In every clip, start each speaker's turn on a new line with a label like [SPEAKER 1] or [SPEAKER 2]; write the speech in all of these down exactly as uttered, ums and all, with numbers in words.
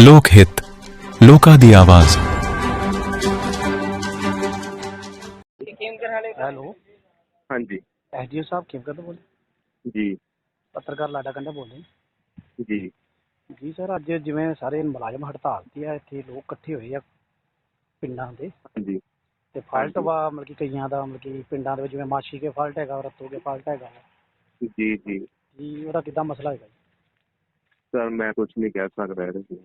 [SPEAKER 1] ਲੋਕ ਹਿੱਤ, ਲੋਕਾਂ ਦੀ ਆਵਾਜ਼।
[SPEAKER 2] ਹੈਲੋ,
[SPEAKER 3] ਹਾਂਜੀ
[SPEAKER 2] ਐਸਡੀਓ ਸਾਹਿਬ ਖੇਮਕਰ ਤੋਂ ਬੋਲ
[SPEAKER 3] ਜੀ
[SPEAKER 2] ਪੱਤਰਕਾਰ ਲਾਡਾ ਕੰਡਾ ਬੋਲਦੇ
[SPEAKER 3] ਜੀ
[SPEAKER 2] ਜੀ ਸਰ। ਅੱਜ ਜਿਵੇਂ ਸਾਰੇ ਮੁਲਾਜ਼ਮ ਹੜਤਾਲ ਤੇ ਆ, ਇੱਥੇ ਲੋਕ ਇਕੱਠੇ ਹੋਏ ਆ ਪਿੰਡਾਂ ਦੇ,
[SPEAKER 3] ਹਾਂਜੀ
[SPEAKER 2] ਤੇ ਫਾਲਟ ਵਾ ਮਤਲਬ ਕਿ ਕਈਆਂ ਦਾ ਮਤਲਬ ਕਿ ਪਿੰਡਾਂ ਦੇ ਵਿੱਚ ਜਿਵੇਂ ਮਾਛੀ ਕੇ ਫਾਲਟ ਹੈਗਾ, ਰੱਤੋ ਕੇ ਫਾਲਟ ਹੈਗਾ
[SPEAKER 3] ਜੀ ਜੀ
[SPEAKER 2] ਜੀ, ਉਹਦਾ ਕਿੱਦਾਂ ਮਸਲਾ ਹੈਗਾ ਜੀ?
[SPEAKER 3] ਸਰ ਮੈਂ ਕੁਝ ਨਹੀਂ ਕਹਿ ਸਕਦਾ ਇਹਦੇ ਵਿੱਚ।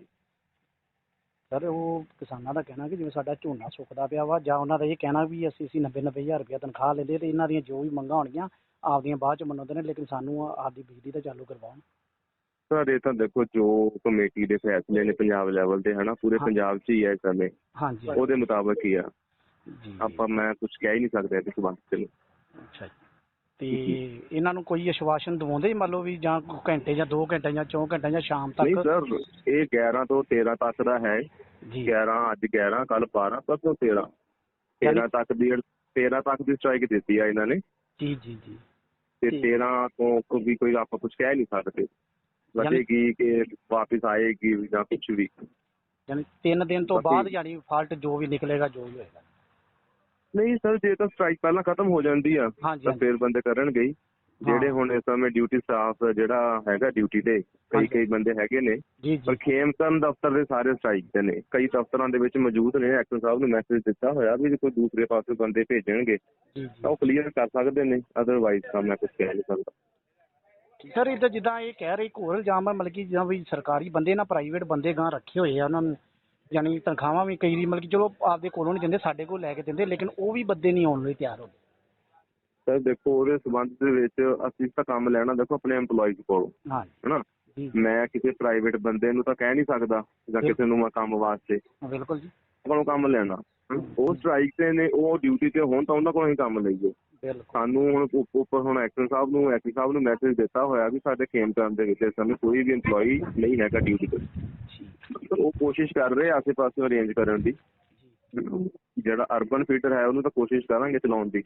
[SPEAKER 2] ਸਰ ਉਹ ਕਿਸਾਨਾਂ ਦਾ ਕਹਿਣਾ ਕਿ ਜਿਵੇਂ ਸਾਡਾ ਝੋਨਾ ਸੁੱਕਦਾ ਪਿਆ ਵਾ, ਜਾਂ ਉਹਨਾਂ ਦਾ ਇਹ ਕਹਿਣਾ ਵੀ ਅਸੀਂ ਅਸੀਂ ਨੱਬੇ ਨੱਬੇ ਹਜ਼ਾਰ ਰੁਪਇਆ ਤਨਖਾਹ ਲੈਂਦੇ ਤੇ ਇਹਨਾਂ ਦੀਆਂ ਜੋ ਵੀ ਮੰਗਾਂ ਹੋਣਗੀਆਂ ਆਪਦੀਆਂ ਬਾਅਦ ਚ ਮੰਨਦੇ ਨੇ, ਲੇਕਿਨ ਸਾਨੂੰ ਆਪਦੀ ਬਿਜਲੀ ਤਾਂ ਚਾਲੂ ਕਰਵਾਉਣ।
[SPEAKER 3] ਸਰ ਇਹ ਤਾਂ ਦੇਖੋ ਜੋ ਕਮੇਟੀ ਦੇ ਫੈਸਲੇ ਨੇ ਪੰਜਾਬ ਲੈਵਲ ਤੇ ਹਨਾ, ਪੂਰੇ ਪੰਜਾਬ 'ਚ ਹੀ ਹੈ ਇਸ ਸਮੇਂ,
[SPEAKER 2] ਹਾਂਜੀ
[SPEAKER 3] ਉਹਦੇ ਮੁਤਾਬਕ ਹੀ ਆ।
[SPEAKER 2] ਜੀ
[SPEAKER 3] ਆਪਾਂ ਮੈਂ ਕੁਝ ਕਹਿ ਹੀ ਨਹੀਂ ਸਕਦਾ ਇਸ ਸੰਬੰਧ 'ਚ।
[SPEAKER 2] ਅੱਛਾ ਜੀ, ਤੇ ਇਹਨਾਂ ਨੂੰ ਕੋਈ ਆਸ਼ਵਾਸਨ ਦਵਾਉਂਦੇ ਮੰਨ ਲਓ ਵੀ ਜਾਂ ਘੰਟੇ ਜਾਂ ਦੋ ਘੰਟੇ ਜਾਂ ਚੌਂ ਘੰਟੇ ਜਾਂ ਸ਼ਾਮ
[SPEAKER 3] ਨਹੀਂ
[SPEAKER 2] ਤੱਕ?
[SPEAKER 3] ਸਰ, ਇਹ ਗਿਆਰਾਂ ਤੋਂ ਤੇਰਾਂ ਤੱਕ ਦਾ ਹੈ
[SPEAKER 2] ਜੀ
[SPEAKER 3] ਗਿਆਰਾਂ ਅੱਜ ਗਿਆਰਾਂ ਕੱਲ ਬਾਰਾਂ ਪਰਸੋਂ ਤੇਰਾਂ ਤੇਰਾਂ ਤੱਕ ਦੀ ਤੇਰਾਂ ਤੱਕ ਦੀ ਸਟ੍ਰਾਈਕ ਦਿੱਤੀ ਆ ਇਹਨਾਂ ਨੇ।
[SPEAKER 2] ਜੀ ਜੀ ਜੀ
[SPEAKER 3] ਤੇ
[SPEAKER 2] ਠੀਕ।
[SPEAKER 3] ਤੇਰਾਂ ਤੋਂ ਵੀ ਕੋਈ ਆਪਾਂ ਕੁਝ ਕਹਿ ਨਹੀਂ ਸਕਦੇ, ਵਧੇਗੀ ਕਿ ਵਾਪਿਸ ਆਏਗੀ ਜਾਂ ਕੁਝ ਵੀ।
[SPEAKER 2] ਯਾਨੀ ਤਿੰਨ ਦਿਨ ਤੋਂ ਬਾਅਦ ਯਾਨੀ ਫਾਲਟ ਜੋ ਵੀ ਨਿਕਲੇਗਾ ਜੋ ਵੀ ਹੋਏਗਾ?
[SPEAKER 3] ਨਹੀਂ ਸਰ, ਜੇ ਤਾਂ ਸਟ੍ਰਾਈਕ ਪਹਿਲਾਂ ਖਤਮ ਹੋ ਜਾਂਦੀ ਆ ਤਾਂ ਫਿਰ ਬੰਦੇ ਕਰਨਗੇ ਹੀ। ਜਿਹੜੇ ਹੁਣ ਇਸ ਸਮੇਂ ਡਿਊਟੀ ਸਟਾਫ ਜਿਹੜਾ ਹੈਗਾ ਡਿਊਟੀ ਤੇ ਕਈ ਕਈ ਬੰਦੇ ਹੈਗੇ ਨੇ, ਪਰ ਖੇਮਕਰਨ ਦਫ਼ਤਰ ਦੇ ਸਾਰੇ ਸਟ੍ਰਾਈਕ ਤੇ ਨੇ। ਕਈ ਦਫ਼ਤਰਾਂ ਦੇ ਵਿੱਚ ਮੌਜੂਦ ਨੇ। ਐਕਸ਼ਨ ਸਾਹਿਬ ਨੂੰ ਮੈਸੇਜ ਦਿੱਤਾ ਹੋਇਆ ਵੀ ਜੇ ਕੋਈ ਦੂਸਰੇ ਪਾਸੇ ਬੰਦੇ ਭੇਜਣਗੇ ਤਾਂ ਉਹ ਕਲੀਅਰ ਕਰ ਸਕਦੇ ਨੇ, ਅਦਰਵਾਈਜ਼ ਤਾਂ ਮੈਂ ਕੁਝ ਕਹਿ ਨਹੀਂ ਸਕਦਾ।
[SPEAKER 2] ਸਰ ਇਹ ਤਾਂ ਜਿੱਦਾਂ ਇਹ ਕਹਿ ਰਹੇ ਇੱਕ ਹੋਰ ਇਲਜ਼ਾਮ ਹੈ ਮਤਲਬ ਕਿ ਜਿੱਦਾਂ ਵੀ ਸਰਕਾਰੀ ਬੰਦੇ ਨਾ ਪ੍ਰਾਈਵੇਟ ਬੰਦੇ ਗਾਂ ਰੱਖੇ ਹੋਏ ਆ, ਉਹਨਾਂ ਨੂੰ ਯਾਨੀ ਤਨਖਾਹਾਂ ਵੀ ਕਈ ਮਤਲਬ ਕਿ ਚਲੋ ਆਪਦੇ ਕੋਲੋਂ ਨਹੀਂ ਦਿੰਦੇ, ਸਾਡੇ ਕੋਲ ਲੈ ਕੇ ਦਿੰਦੇ, ਲੇਕਿਨ ਉਹ ਵੀ ਬੰਦੇ ਨਹੀਂ ਆਉਣ ਲਈ ਤਿਆਰ ਹੁੰਦੇ।
[SPEAKER 3] ਸਰ ਦੇਖੋ ਉਹਦੇ ਸੰਬੰਧ ਦੇ ਵਿੱਚ ਅਸੀਂ ਤਾਂ ਕੰਮ ਲੈਣਾ ਦੇਖੋ ਆਪਣੇ EMPLOYEES ਕੋਲੋਂ,
[SPEAKER 2] ਹਾਂ
[SPEAKER 3] ਹਨਾ। ਮੈਂ ਕਿਸੇ ਪ੍ਰਾਈਵੇਟ ਬੰਦੇ ਨੂੰ ਤਾਂ ਕਹਿ ਨਹੀਂ ਸਕਦਾ ਜਾਂ ਕਿਸੇ ਨੂੰ ਮੈਂ ਕੰਮ ਵਾਸਤੇ
[SPEAKER 2] ਬਿਲਕੁਲ ਜੀ
[SPEAKER 3] ਉਹਨਾਂ ਨੂੰ ਕੰਮ ਲੈਣਾ। ਉਹ ਸਟ੍ਰਾਈਕ ਤੇ ਨੇ, ਉਹ ਡਿਊਟੀ ਤੇ ਹੋਣ ਤਾਂ ਉਹਨਾਂ ਕੋਲੋਂ ਹੀ ਕੰਮ ਲਈਏ। ਸਾਨੂੰ ਹੁਣ ਉੱਪਰ ਹੁਣ ਐਕਸ਼ਨ ਸਾਹਿਬ ਨੂੰ ਐਕਸ਼ਨ ਸਾਹਿਬ ਨੂੰ ਮੈਸੇਜ ਦਿੱਤਾ ਹੋਇਆ ਵੀ ਸਾਡੇ ਖੇਮਕਰਨ ਦੇ ਵਿੱਚ ਇਸ ਸਮੇਂ ਕੋਈ ਵੀ EMPLOYEE ਨਹੀਂ ਹੈਗਾ ਡਿਊਟੀ ਤੇ। ਉਹ ਕੋਸ਼ਿਸ਼ ਕਰ ਰਹੇ ਆਸੇ ਪਾਸੇ ਅਰੇਂਜ ਕਰਨ ਦੀ। ਜਿਹੜਾ ਅਰਬਨ ਫੀਡਰ ਹੈ ਉਹਨੂੰ ਤਾਂ ਕੋਸ਼ਿਸ਼ ਕਰਾਂਗੇ ਚਲਾਉਣ ਦੀ।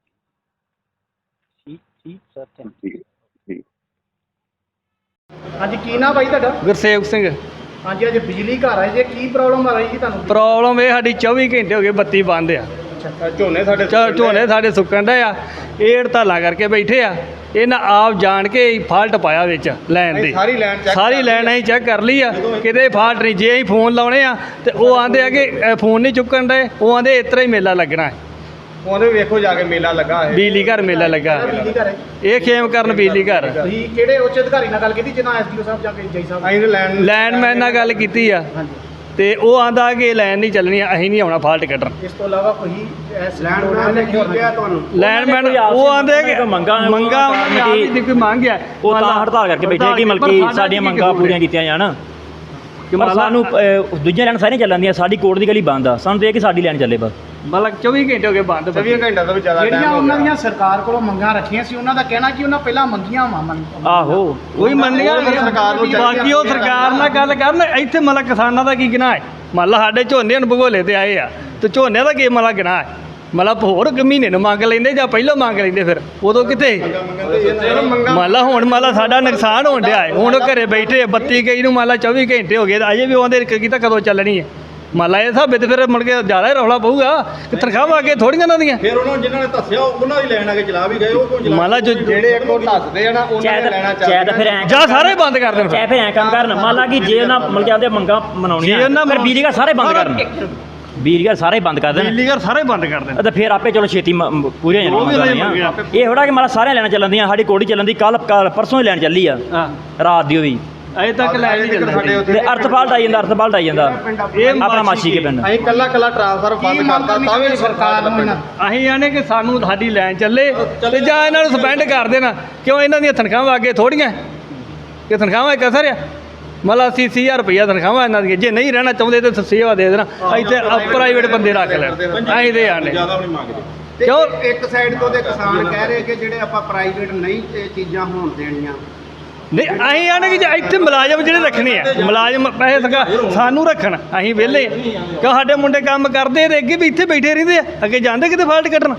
[SPEAKER 2] ਠੀਕ ਠੀਕ ਸਰ, ਥੈਂਕ
[SPEAKER 3] ਜੀ ਜੀ
[SPEAKER 2] ਹਾਂਜੀ, ਕੀ ਨਾਮ ਬਾਈ ਤੁਹਾਡਾ?
[SPEAKER 4] ਗੁਰਸੇਵਕ ਸਿੰਘ।
[SPEAKER 2] ਹਾਂਜੀ, ਅੱਜ ਬਿਜਲੀ ਘਰ ਆਏ ਜੇ, ਕੀ ਪ੍ਰੋਬਲਮ ਆ ਰਹੀ ਜੀ ਤੁਹਾਨੂੰ?
[SPEAKER 4] ਪ੍ਰੋਬਲਮ ਇਹ ਸਾਡੀ ਚੌਵੀ ਘੰਟੇ ਹੋ ਗਏ ਬੱਤੀ ਬੰਦ ਆ।
[SPEAKER 2] ਝੋਨੇ ਸਾਡੇ
[SPEAKER 4] ਝੋਨੇ ਸਾਡੇ ਸੁੱਕਣ ਡਏ ਆ। ਇਹ ਹੜਤਾਲਾਂ ਕਰਕੇ ਬੈਠੇ ਆ। ਇਹਨਾਂ ਆਪ ਜਾਣ ਕੇ ਫਾਲਟ ਪਾਇਆ ਵਿੱਚ ਲੈਣ ਦੀ,
[SPEAKER 2] ਸਾਰੀ ਲਾਈਨ ਚੈੱਕ
[SPEAKER 4] ਸਾਰੀ ਲਾਈਨ ਅਸੀਂ ਚੈੱਕ ਕਰ ਲਈ ਆ, ਕਿਤੇ ਫਾਲਟ ਨਹੀਂ। ਜੇ ਅਸੀਂ ਫੋਨ ਲਾਉਣੇ ਆ ਤੇ ਉਹ ਆਂਦੇ ਆ ਕਿ ਫੋਨ ਨਹੀਂ ਚੁੱਕਣ ਡਏ, ਉਹ ਆਂਦੇ ਇਸ ਤਰ੍ਹਾਂ ਹੀ ਮੇਲਾ ਲੱਗਣਾ ਹੈ।
[SPEAKER 2] ਉਹਦੇ ਵੇਖੋ ਜਾ ਕੇ ਮੇਲਾ ਲੱਗਾ ਹੈ,
[SPEAKER 4] ਬਿਜਲੀ ਘਰ ਮੇਲਾ ਲੱਗਾ।
[SPEAKER 2] ਬਿਜਲੀ ਘਰ ਹੈ
[SPEAKER 4] ਇਹ ਖੇਮਕਰਨ ਬਿਜਲੀ ਘਰ।
[SPEAKER 2] ਤੁਸੀਂ ਕਿਹੜੇ ਉੱਚ ਅਧਿਕਾਰੀ ਨਾਲ ਗੱਲ ਕੀਤੀ ਜਿੱਦਾਂ ਐਸਡੀਓ ਸਾਹਿਬ ਜਾਂ ਜੈ ਸਾਹਿਬ? ਅਸੀਂ ਲੈਣ
[SPEAKER 4] ਲੈਂਡਮੈਨ ਨਾਲ ਗੱਲ ਕੀਤੀ ਆ ਤੇ ਉਹ ਆਂਦਾ ਕਿ ਲਾਈਨ ਨਹੀਂ ਚੱਲਣੀ, ਅਸੀਂ ਨਹੀਂ ਆਉਣਾ ਫਾਲਟ ਕੱਢਣ।
[SPEAKER 2] ਇਸ ਤੋਂ ਇਲਾਵਾ ਕੋਈ ਲੈਂਡਮੈਨ ਨੇ ਕੀ ਕਿਹਾ ਤੁਹਾਨੂੰ?
[SPEAKER 4] ਲੈਂਡਮੈਨ ਉਹ ਆਂਦੇ ਕਿ ਮੰਗਾਂ ਮੰਗਾਂ ਦੀ ਕੋਈ ਮੰਗ ਹੈ,
[SPEAKER 5] ਉਹ ਤਾਂ ਹੜਤਾਲ ਕਰਕੇ ਬੈਠੇ ਕਿ ਮਲਕੀ ਸਾਡੀਆਂ ਮੰਗਾਂ ਪੂਰੀਆਂ ਕੀਤੀਆਂ ਜਾਣ। ਕਿ ਸਾਨੂੰ ਦੂਜੀਆਂ ਲੈਣ ਸਾਰੀਆਂ ਚੱਲਣ ਦੀਆਂ, ਸਾਡੀ ਕੋਰਟ ਦੀ ਗਲੀ ਬੰਦ ਆ। ਸਾਨੂੰ ਤਾਂ ਇਹ ਕਿ ਸਾਡੀ ਲੈਣ ਚੱਲੇ ਬਸ।
[SPEAKER 4] ਮਤਲਬ ਚੌਵੀ ਘੰਟੇ ਹੋ ਗਏ ਬੰਦ।
[SPEAKER 2] ਚੌਵੀ ਘੰਟੇ ਤੋਂ ਵੀ ਜ਼ਿਆਦਾ ਜਿਹੜੀਆਂ ਉਹਨਾਂ ਦੀਆਂ ਸਰਕਾਰ ਕੋਲੋਂ ਮੰਗਾਂ ਰੱਖੀਆਂ ਸੀ, ਉਹਨਾਂ ਦਾ ਕਹਿਣਾ ਕਿ ਉਹਨਾਂ ਪਹਿਲਾਂ ਮੰਗੀਆਂ ਵਾ।
[SPEAKER 4] ਆਹੋ ਕੋਈ ਮੰਨੀਆਂ ਸਰਕਾਰ ਨੂੰ, ਬਾਕੀ ਉਹ ਸਰਕਾਰ ਨਾਲ ਗੱਲ ਕਰਨ। ਇੱਥੇ ਮਤਲਬ ਕਿਸਾਨਾਂ ਦਾ ਕੀ ਗੁਨਾਹ ਹੈ? ਮੰਨ ਲਾ ਸਾਡੇ ਝੋਨੇ ਨੂੰ ਭਗੋਲੇ ਤੇ ਆਏ ਆ ਤੇ ਝੋਨੇ ਦਾ ਕੀ ਮਤਲਬ ਗੁਨਾਹ ਹੈ? ਮਤਲਬ ਹੋਰ ਮਹੀਨੇ ਨੂੰ ਮੰਗ ਲੈਂਦੇ ਜਾਂ ਪਹਿਲਾਂ ਮੰਗ ਲੈਂਦੇ, ਫਿਰ ਉਦੋਂ ਕਿਤੇ ਮੰਨ ਲਾ ਹੁਣ ਮੰਨ ਲਾ ਸਾਡਾ ਨੁਕਸਾਨ ਹੋਣ ਡਿਆ ਹੈ। ਹੁਣ ਘਰੇ ਬੈਠੇ ਬੱਤੀ ਗਈ ਨੂੰ ਮੰਨ ਲਾ ਚੌਵੀ ਘੰਟੇ ਹੋ ਗਏ, ਅਜੇ ਵੀ ਉਹਦੇ ਕੀਤਾ ਕਦੋਂ ਚੱਲਣੀ ਹੈ? ਮੰਨ ਲਾ ਇਹ ਹਿਸਾਬੇ ਤੇ ਫਿਰ ਮੁੜ ਕੇ ਜ਼ਿਆਦਾ ਹੀ ਰੌਲਾ ਪਊਗਾ ਕਿ ਤਨਖਾਹਾਂ ਅੱਗੇ ਥੋੜੀਆਂ ਉਹਨਾਂ ਦੀਆਂ।
[SPEAKER 6] ਫਿਰ ਉਹਨਾਂ ਜਿਨ੍ਹਾਂ ਨੇ ਦੱਸਿਆ ਉਹਨਾਂ ਦੀ ਲੈਣ ਆ ਕੇ ਚਲਾ ਵੀ ਗਏ। ਉਹ
[SPEAKER 4] ਮੰਨ ਲਾ
[SPEAKER 2] ਜਿਹੜੇ ਇੱਕ ਉਹ ਦੱਸਦੇ ਆ ਨਾ ਉਹਨਾਂ ਨੇ ਲੈਣਾ ਚਾਹੀਦਾ,
[SPEAKER 5] ਫਿਰ ਐਂ
[SPEAKER 4] ਜਾਂ ਸਾਰੇ ਬੰਦ ਕਰ ਦੇਣ।
[SPEAKER 5] ਚਾਹੇ ਫਿਰ ਐਂ ਕੰਮ ਕਰਨ, ਮੰਨ ਲਾ ਕਿ ਜੇ ਉਹਨਾਂ ਮਤਲਬ ਕਿ ਆਪਦੇ ਮੰਗਾਂ ਮਨਾਉਣੀਆਂ ਫਿਰ ਬਿਜਲੀ ਘਰ ਸਾਰੇ ਬੰਦ ਕਰਨ, ਬਿਜਲੀ ਘਰ ਸਾਰੇ ਬੰਦ ਕਰ ਦੇਣ,
[SPEAKER 4] ਬਿਜਲੀ ਘਰ ਸਾਰੇ ਬੰਦ ਕਰ ਦੇਣ
[SPEAKER 5] ਤੇ ਫਿਰ ਆਪੇ ਚਲੋ ਛੇਤੀ ਪੂਰੀਆਂ ਹੋ ਜਾਣੀਆਂ। ਇਹ ਥੋੜਾ ਕਿ ਮਾਲਾ ਸਾਰਿਆਂ ਲੈਣਾ ਚੱਲਣ ਦੀਆਂ, ਸਾਡੀ ਕੋੜੀ ਚੱਲਣ ਦੀ। ਕੱਲ ਪਰਸੋਂ ਹੀ ਲੈਣ ਚੱਲੀ ਆ ਰਾਤ ਦੀ, ਉਹ ਵੀ
[SPEAKER 4] ਅਜੇ ਤੱਕ ਲੈ ਨਹੀਂ ਚੱਲਦੀ।
[SPEAKER 5] ਤੇ ਅਰਥ ਫਾਲਟ ਆਈ ਜਾਂਦਾ, ਅਰਥ ਫਾਲਟ ਆਈ ਜਾਂਦਾ
[SPEAKER 4] ਇਹ
[SPEAKER 5] ਆਪਣਾ ਮਾਛੀ ਕੇ ਪਿੰਡ।
[SPEAKER 2] ਅਸੀਂ ਕੱਲਾ ਕੱਲਾ ਟ੍ਰਾਂਸਫਰ ਬੰਦ ਕਰਤਾ ਤਾਂ ਵੀ ਸਰਕਾਰ ਨੂੰ
[SPEAKER 4] ਅਸੀਂ ਆਨੇ ਕਿ ਸਾਨੂੰ ਸਾਡੀ ਲਾਈਨ ਚੱਲੇ ਤੇ ਜਾਂ ਇਹਨਾਂ ਨੂੰ ਸਸਪੈਂਡ ਕਰ ਦੇਣਾ। ਕਿਉਂ ਇਹਨਾਂ ਦੀਆਂ ਤਨਖਾਹਾਂ ਅੱਗੇ ਥੋੜੀਆਂ ਕਿ ਤਨਖਾਹਾਂ ਇੱਕ ਅਸਰ ਆ। ਮਤਲਬ ਅੱਸੀ ਅੱਸੀ ਹਜ਼ਾਰ ਰੁਪਈਆ ਤਨਖਾਹਾਂ ਇਹਨਾਂ ਦੀਆਂ। ਜੇ ਨਹੀਂ ਰਹਿਣਾ ਚਾਹੁੰਦੇ ਤਾਂ ਸੇਵਾ ਦੇ ਦੇਣਾ। ਇੱਥੇ ਪ੍ਰਾਈਵੇਟ ਬੰਦੇ ਰੱਖ ਲੈਣ। ਅਸੀਂ ਦੇ ਆਨੇ
[SPEAKER 2] ਕਿਉਂ ਇੱਕ ਸਾਈਡ ਤੋਂ ਦੇ ਕਿਸਾਨ ਕਹਿ ਰਹੇ ਕਿ ਜਿਹੜੇ ਆਪਾਂ ਪ੍ਰਾਈਵੇਟ ਨਹੀਂ ਇਹ ਚੀਜ਼ਾਂ ਹੋਣ ਦੇਣੀਆਂ।
[SPEAKER 4] ਨਹੀਂ ਅਸੀਂ ਆਨੇ ਕਿ ਜੇ ਇੱਥੇ ਮੁਲਾਜ਼ਮ ਜਿਹੜੇ ਰੱਖਣੇ ਆ, ਮੁਲਾਜ਼ਮ ਪੈਸੇ ਸਕਾ ਸਾਨੂੰ ਰੱਖਣ, ਅਸੀਂ ਵਿਹਲੇ ਕਿਉਂ? ਸਾਡੇ ਮੁੰਡੇ ਕੰਮ ਕਰਦੇ ਤੇ ਅੱਗੇ ਵੀ ਇੱਥੇ ਬੈਠੇ ਰਹਿੰਦੇ ਆ, ਅੱਗੇ ਜਾਂਦੇ ਕਿਤੇ ਫਾਲਟ ਕੱਢਣ।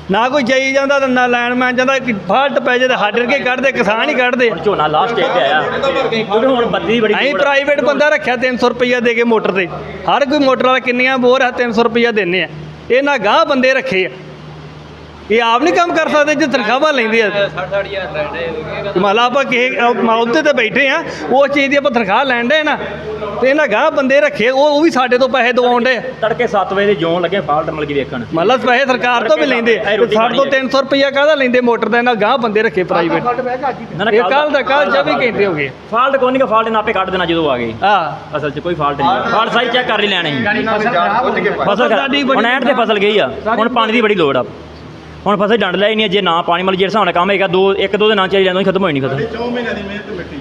[SPEAKER 4] ਨਾ ਕੋਈ ਜਾਈ ਜਾਂਦਾ ਤੇ ਨਾ ਲਾਈਨਮੈਨ ਜਾਂਦਾ ਕਿ ਫਾਲਟ ਪੈ ਜੇ ਤੇ ਸਾਡੇ ਵਰਗੇ ਕੱਢਦੇ ਕਿਸਾਨ ਹੀ ਕੱਢਦੇ।
[SPEAKER 5] ਹੁਣ ਝੋਨਾ ਲਾਸਟ ਸਟੇਜ ਤੇ ਆਇਆ ਕਿਉਂਕਿ ਹੁਣ ਬੱਤੀ ਦੀ ਬੜੀ
[SPEAKER 4] ਅਸੀਂ ਪ੍ਰਾਈਵੇਟ ਬੰਦਾ ਰੱਖਿਆ ਤਿੰਨ ਸੌ ਰੁਪਈਆ ਦੇ ਕੇ ਮੋਟਰ ਤੇ, ਹਰ ਕੋਈ ਮੋਟਰ ਵਾਲਾ ਕਿੰਨੀਆਂ ਬੋਰ ਆ ਤਿੰਨ ਸੌ ਰੁਪਈਆ ਦਿੰਦੇ ਆ। ਇਹਨਾਂ ਗਾਂਹ ਬੰਦੇ ਰੱਖੇ ਆ, ਇਹ ਆਪ ਨਹੀਂ ਕੰਮ ਕਰ ਸਕਦੇ ਜੇ ਤਨਖਾਹਾਂ ਲੈਂਦੇ ਆ। ਮੰਨ ਲਾ ਆਪਾਂ ਕਿਸੇ ਅਹੁਦੇ ਤੇ ਬੈਠੇ ਆ, ਉਸ ਚੀਜ਼ ਦੀ ਆਪਾਂ ਤਨਖਾਹ ਲੈਣ ਦੇ ਨਾ, ਤੇ ਇਹਨਾਂ ਗਾਂਹ ਬੰਦੇ ਰੱਖੇ ਉਹ ਉਹ ਵੀ ਸਾਡੇ ਤੋਂ ਪੈਸੇ ਦਵਾਉਣ ਦੇ।
[SPEAKER 5] ਤੜਕੇ ਸੱਤ ਵਜੇ ਦੇ ਜੋਂ ਲੱਗੇ ਫਾਲਟ ਮਤਲਬ ਕਿ ਵੇਖਣ,
[SPEAKER 4] ਮੰਨ ਲਾ ਪੈਸੇ ਸਰਕਾਰ ਤੋਂ ਵੀ ਲੈਂਦੇ, ਸਾਡੇ ਤੋਂ ਤਿੰਨ ਸੌ ਰੁਪਈਆ ਕਾਹਦਾ ਲੈਂਦੇ ਮੋਟਰ ਦਾ, ਇਹਨਾਂ ਗਾਂਹ ਬੰਦੇ ਰੱਖੇ ਪ੍ਰਾਈਵੇਟ। ਇਹ ਕੱਲ ਦਾ ਕੱਲ ਚੌਵੀ ਘੰਟੇ ਹੋ ਗਏ।
[SPEAKER 5] ਫਾਲਟ ਕੋਈ ਨਹੀਂ, ਫਾਲਟ ਨਾਪੇ ਕੱਢ ਦੇਣਾ ਜਦੋਂ ਆ ਗਏ।
[SPEAKER 4] ਹਾਂ
[SPEAKER 5] ਅਸਲ 'ਚ ਕੋਈ ਫਾਲਟ ਨਹੀਂ, ਫਾਲਟ ਸਾਰੀ ਚੈੱਕ ਕਰ ਲਈ ਲੈਣੇ ਫਸਲ
[SPEAKER 4] ਸਾਡੀ
[SPEAKER 5] ਹੁਣ ਐਂਡ ਤੇ ਫਸਲ ਗਈ ਆ, ਹੁਣ ਪਾਣੀ ਦੀ ਬੜੀ ਲੋੜ ਆ। ਹੁਣ ਫਸਲ ਡੰਡ ਲੈ ਹੀ ਨਹੀਂ, ਜੇ ਨਾ ਪਾਣੀ ਮਤਲਬ ਜਿਹੜੇ ਹਿਸਾਬ ਨਾਲ ਕੰਮ ਹੈਗਾ ਦੋ ਇੱਕ ਦੋ ਦੇ ਨਾਲ ਚਾਹੀਦਾ ਖਤਮ ਹੋਈ ਨਹੀਂ ਫਸਲ।
[SPEAKER 6] ਚੌ ਮਹੀਨਿਆਂ ਦੀ ਮਿਹਨਤ ਮਿੱਟੀ